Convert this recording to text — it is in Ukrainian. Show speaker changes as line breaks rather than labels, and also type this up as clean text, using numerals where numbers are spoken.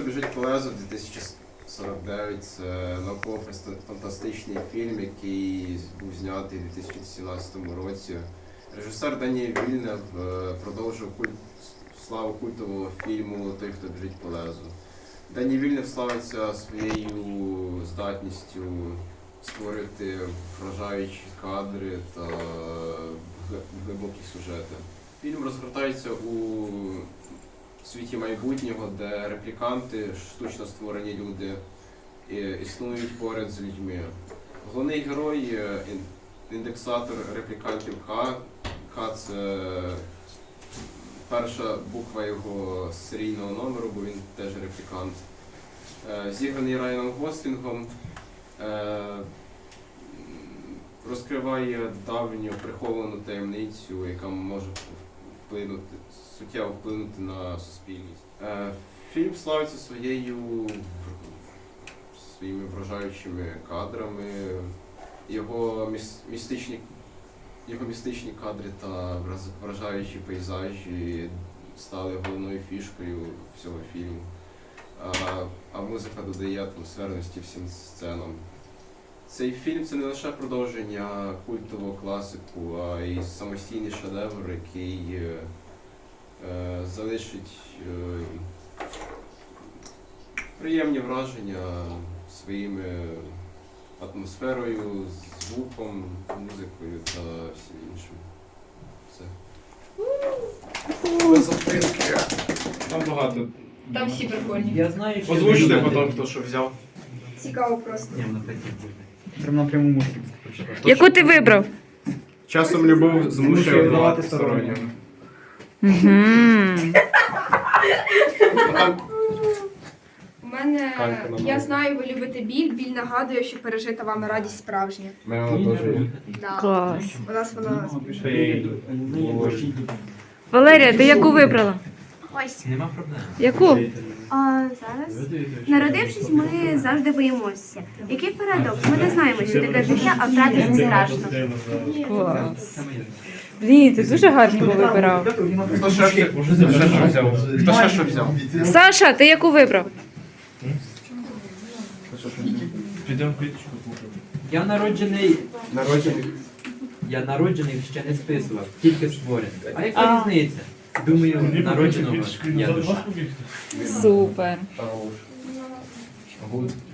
хто біжить по лезу 2049 це науково-фантастичний фільм, який був знятий у 2017 році. Режисер Дані Вільнев продовжив славу культового фільму «Той, хто біжить по лезу». Дані Вільнев славиться своєю здатністю створити вражаючі кадри та глибокі сюжети. Фільм розгортається у світі майбутнього, де репліканти, штучно створені люди, існують поряд з людьми. Головний герой – індексатор реплікантів К. К – це перша буква його серійного номеру, бо він теж реплікант. Зіграний Райаном Гослінгом, розкриває давню приховану таємницю, яка може суттєво вплинути на суспільність. Фільм славиться своїми вражаючими кадрами, його містичні кадри та вражаючі пейзажі стали головною фішкою всього фільму, а музика додає атмосферності всім сценам. Цей фільм – це не лише продовження культового класику, а й самостійний шедевр, який залишить приємні враження своїми атмосферою, звуком, музикою та всім іншим. Все. Без записки.
Там багато.
Там всі прикольні.
Я знаю, що...
Озвучте потім, хто що взяв.
Цікаво просто.
Ні, вона так і буде.
Прям на прямому музику прочитав.
Яку ти вибрав?
Часом любов змушує
давати
давати стороннім.
У мене,
Канька на
я
мене.
знаю, ви любите біль. Біль нагадує, що пережита вами радість справжня. Да.
Клас.
У нас вона...
Валерія, ти яку вибрала?
Ось,
Нема проблем.
Яку?
зараз. Народившись, ми завжди боїмося. Який парадокс? Ми не знаємо, що таке життя, а втратити страшно.
Клас. Блін, ти дуже гарні повибирав.
Хто ще що взяв? Хто ще що взяв?
Саша, ти яку вибрав?
Я народжений ще не списував, тільки створений. А яка різниця? Думаю, народженого я душа.
Супер.
Гуд.